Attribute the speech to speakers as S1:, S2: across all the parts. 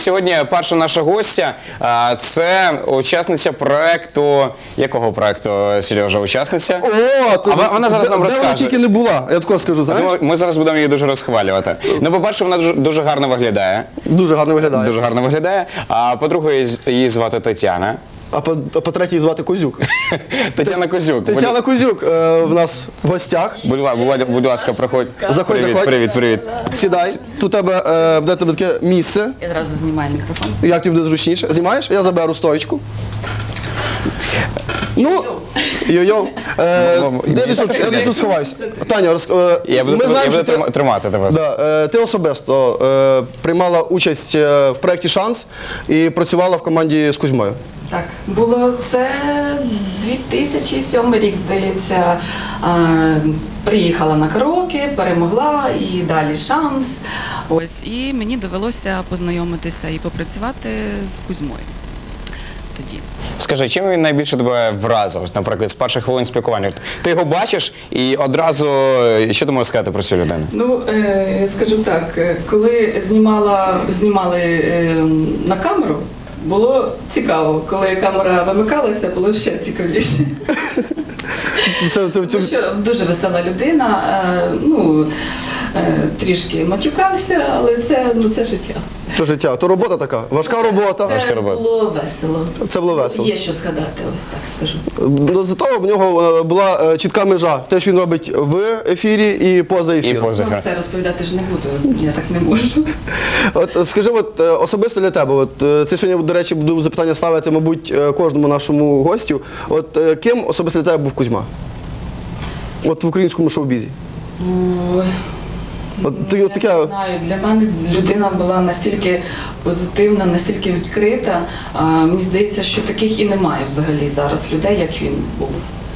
S1: сьогодні перша наша гостя – це учасниця проекту… Якого проекту, Сережа, учасниця? Вона зараз нам розкаже.
S2: Де вона тільки не була, я такого скажу, знаєш?
S1: Ми зараз будемо її дуже розхвалювати. Ну, по-перше, вона дуже гарно виглядає.
S2: Дуже гарно виглядає.
S1: Дуже гарно виглядає. А по-друге, її звати Тетяна.
S2: А по-третє, її звати Козюк.
S1: Тетяна Козюк.
S2: Тетяна Козюк в нас в гостях.
S1: Будь ласка, проходь.
S2: Заходь, заходь.
S1: Привіт.
S2: Сідай. Тут буде тебе таке місце.
S3: Я одразу знімаю мікрофон.
S2: Як тобі буде зручніше? Знімаєш? Я заберу стоечку. Ну, йо-йо. Я десь тут сховаюся. Таня,
S1: Я буду тримати тебе.
S2: Ти особисто приймала участь в проєкті «Шанс» і працювала в команді з Кузьмою.
S3: Так, було це 2007 рік, здається. Приїхала на караоке, перемогла і далі «Шанс». Ось, і мені довелося познайомитися і попрацювати з Кузьмою тоді.
S1: Скажи, чим він найбільше тебе вразив, наприклад, з перших хвилин спілкування? Ти його бачиш і одразу, що ти можеш сказати про цю людину?
S3: Ну, скажу так, коли знімали на камеру, було цікаво. Коли камера вимикалася, було ще цікавіше. Тому що дуже весела людина, трішки матюкався, але це життя.
S2: То життя, то робота така, важка робота.
S3: Це було весело.
S2: Це було весело.
S3: Є що згадати, ось так скажу.
S2: Зато в нього була чітка межа. Те, що він робить в ефірі і поза ефіром.
S3: Все розповідати ж не буду, я так не можу.
S2: От скажи, особисто для тебе, це сьогодні, до речі, буду запитання ставити, мабуть, кожному нашому гостю. Ким особисто для тебе був Кузьма? В українському шоу-бізі.
S3: Я не знаю, для мене людина була настільки позитивна, настільки відкрита. Мені здається, що таких і немає взагалі зараз людей, як він був.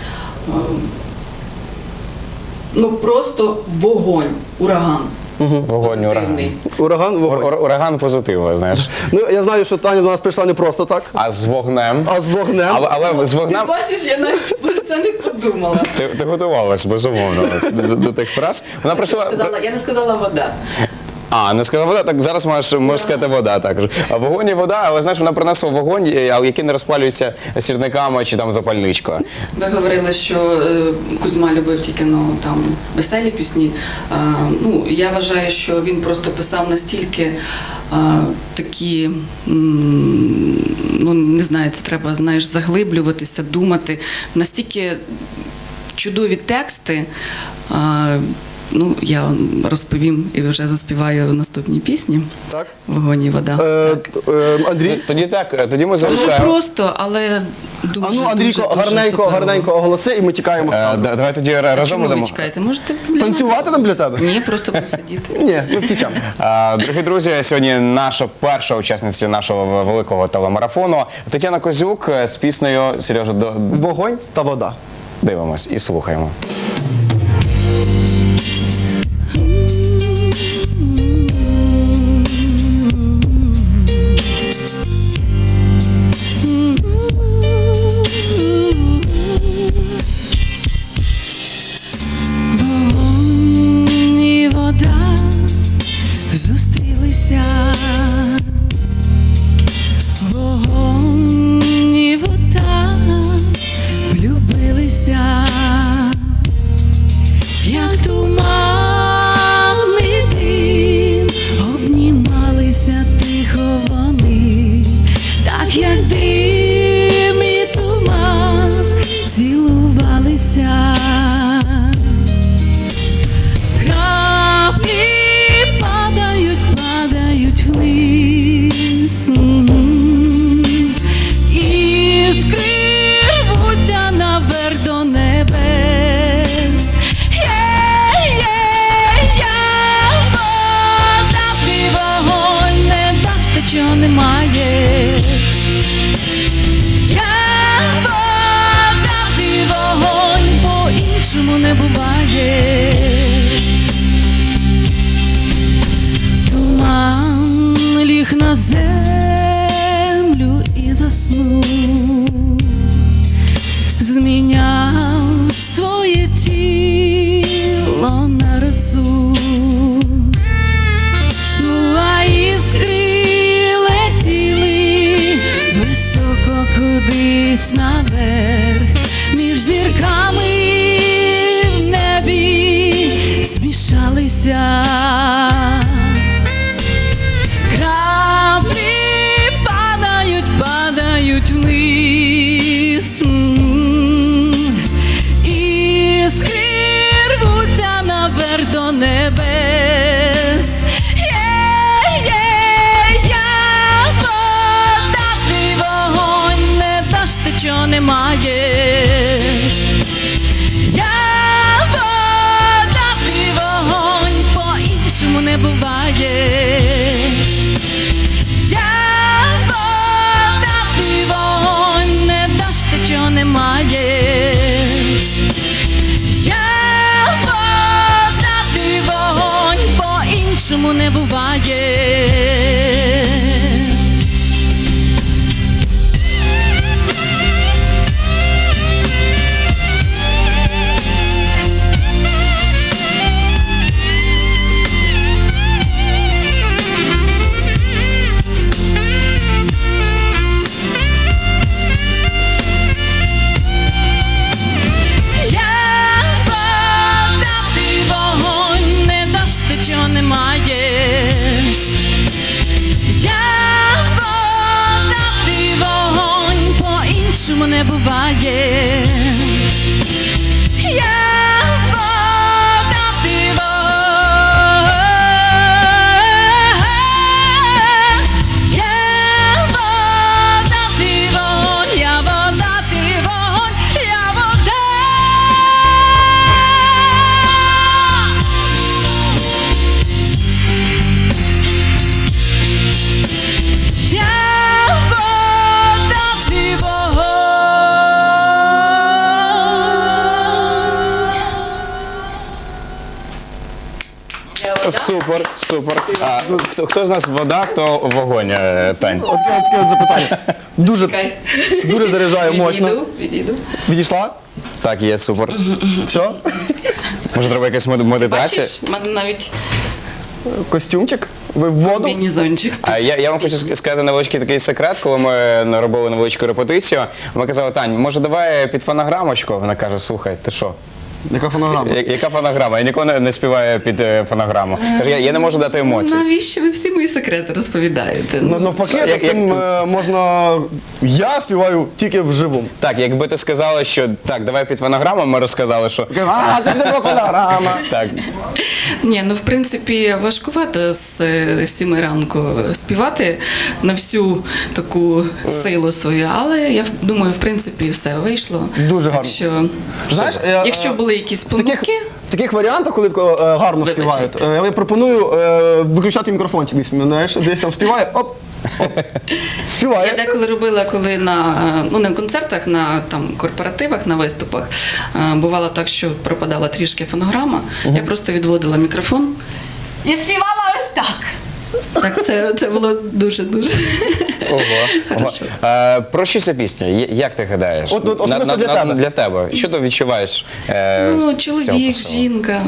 S3: Просто вогонь, ураган.
S1: Вогонь, ураган. Ураган позитиву, знаєш.
S2: Я знаю, що Таня до нас прийшла не просто так.
S1: А з вогнем.
S2: Але
S1: з вогнем…
S3: Ти бачиш, я навіть про це не подумала.
S1: Ти готувалась, безумовно, до тих фраз. Вона прийшла…
S3: Я не сказала вода.
S1: Не сказала вода, так зараз можеш сказати вода також. Вогонь і вода, але знаєш, вона принесла вогонь, який не розпалюється сірниками чи там запальничкою.
S3: Ви говорили, що Кузьма любив тільки веселі пісні. Я вважаю, що він просто писав настільки такі, не знаю, це треба, заглиблюватися, думати, настільки чудові тексти. Я розповім і вже заспіваю в наступній пісні.
S2: Так?
S3: «Вогонь і вода».
S2: Андрій?
S1: Тоді ми залишаємо.
S3: Дуже просто, але дуже,
S2: Андрійко, гарненько оголоси і ми тікаємо з камери.
S1: Давай тоді разом
S3: Чому ви
S1: будемо.
S3: чекаєте? Можете
S2: Танцювати нам для тебе?
S3: Ні, просто посидіти.
S2: Ні, ми втічемо.
S1: Дорогі друзі, сьогодні наша перша учасниця нашого великого телемарафону Тетяна Козюк з піснею «Сережа,
S2: вогонь та вода».
S1: Дивимось і слухаємо.
S3: Зустрілися, вогонь і вода, влюбилися, як туманний дим, обнімалися тихо вони, так як дим і туман, цілувалися. Вниз, іскри рвуться наверх до небес. Вода, ти вогонь, не даш те, чого не маєш. Вода, ти вогонь, по-іншому не буває. Ліг на землю і заснув, зміняв своє тіло на росу, а іскри розлилися. Краплі падають вниз. Іскри рвуться наверх до небес. Я вода, ти вогонь, не даш ти, чого не маєш. Я вода, ти вогонь, по-іншому не буває. Я вода, ти вогонь, не даш ти, чого не маєш. Я вода, ти вогонь, по-іншому не буває. Не буває. Я вода, ти вогонь. Я вода, ти вогонь. Я вода, ти вогонь. Я вода. Я вода, ти вогонь.
S1: Супер, супер. А, хто з нас вода, хто вогонь, Тань?
S2: От таке запитання. Дуже,
S3: Чекай.
S2: дуже заряджає мощно.
S3: Відійду.
S2: Відійшла?
S1: Так, є, супер.
S2: Все?
S1: Може, треба якась медитація?
S3: Бачиш, в мене навіть
S2: Костюмчик? Ви в воду?
S3: міні-зончик.
S1: А я вам хочу сказати невеличкий такий секрет, коли ми робили невеличку репетицію. Ми казали, Тань, може давай під фонограмочку? Вона каже, слухай, ти що?
S2: Яка фонограма?
S1: Яка фонограма? Я ніколи не співаю під фонограму. Каже, я не можу дати емоцій.
S3: Навіщо ви всі мої секрети розповідаєте?
S2: Ну, навпаки,
S1: Як-
S2: цим можна... Я співаю тільки вживу.
S1: Так, якби ти сказала, що так, давай під фонограму, ми розказали, що
S2: А, це була фонограма.
S1: так.
S3: Ні, ну в принципі важкувато з 7 ранку співати на всю таку силу свою, але я думаю, в принципі, все вийшло.
S2: Дуже гарно.
S3: Так що,
S2: Знаєш,
S3: якщо були якісь помилки,
S2: В таких варіантах, коли тако, гарно
S3: Вибачайте.
S2: співають, я пропоную виключати мікрофончик десь, знаєш, десь там співає, оп, оп,
S3: я
S2: співає.
S3: деколи робила, коли на концертах, на там корпоративах, на виступах, бувало так, що пропадала трішки фонограма, я просто відводила мікрофон і співала ось так. Так, це було дуже-дуже.
S1: Ого. Про що ця пісня? Як ти гадаєш?
S2: От особисто для тебе.
S1: Для тебе. Що ти відчуваєш?
S3: Ну,
S1: з цього
S3: чоловік,
S1: посилу?
S3: жінка.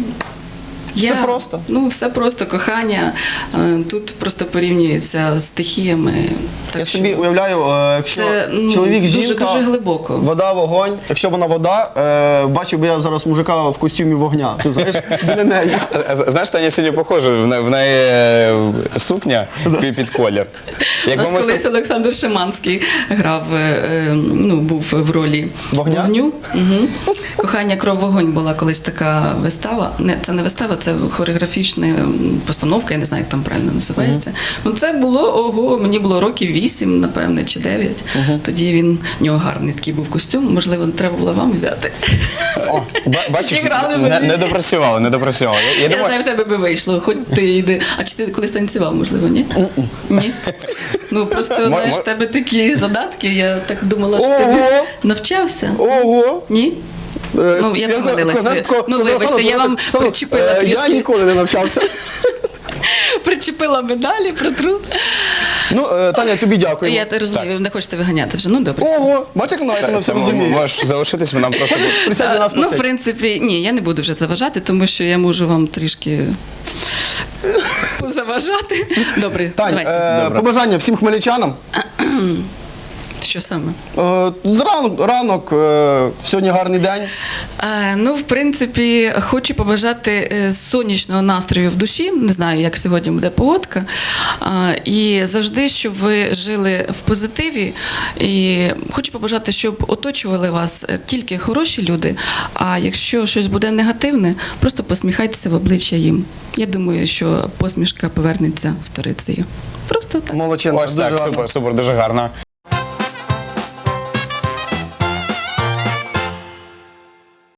S2: Все просто.
S3: Ну, все просто, кохання. Тут просто порівнюється з стихіями. Так
S2: Я
S3: що
S2: собі уявляю, якщо
S3: це
S2: чоловік, жінка,
S3: дуже глибоко.
S2: вода, вогонь. Якщо вона вода, бачив би я зараз мужика в костюмі вогня. Ти знаєш, біля неї.
S1: Знаєш, Таня сьогодні похожа, в неї сукня під колір.
S3: У нас колись Олександр Шиманський грав, був в ролі
S2: Вогня?
S3: вогню. Угу. Кохання, кров, вогонь була колись така вистава. Це не вистава, це хореографічна постановка, я не знаю, як там правильно називається. Ну, це було, мені було років 8, напевне, чи 9. Тоді в нього гарний такий був костюм, можливо, треба було вам взяти.
S1: Бачиш,
S3: Зіграли мені.
S1: не допрацювали. Я
S3: Я
S1: думаю,
S3: знаю, в тебе би вийшло, хоч ти йди. А чи ти колись танцював, можливо, ні? Ні. Ну, просто, знаєш, в тебе такі задатки, я так думала, що ти
S2: Ого!
S3: десь навчався.
S2: Ого!
S3: Ні? Ну, я помилилася. Ну, вибачте, я вам причепила
S2: Я
S3: трішки.
S2: ніколи не навчався.
S3: Причепила медалі, протру.
S2: Ну, Таня, тобі дякую.
S3: Я розумію, ви не хочете виганяти вже. Ну, добре. все.
S2: Ого, бачиш, як вона все розуміє.
S1: можеш залишитись, нам просто
S2: Присядь до нас
S3: Ну, в
S2: посидь.
S3: принципі, ні, я не буду вже заважати, тому що я можу вам трішки позаважати. Добре,
S2: Тань,
S3: давайте.
S2: побажання всім хмельничанам.
S3: Що саме?
S2: Ранок, сьогодні гарний день.
S3: Ну, в принципі, хочу побажати сонячного настрою в душі. Не знаю, як сьогодні буде погодка. І завжди, щоб ви жили в позитиві. І хочу побажати, щоб оточували вас тільки хороші люди. А якщо щось буде негативне, просто посміхайтеся в обличчя їм. Я думаю, що посмішка повернеться сторицею. Просто так.
S2: Молодчинка.
S1: Ось
S2: дуже
S1: так,
S2: гарно.
S1: супер, дуже гарно.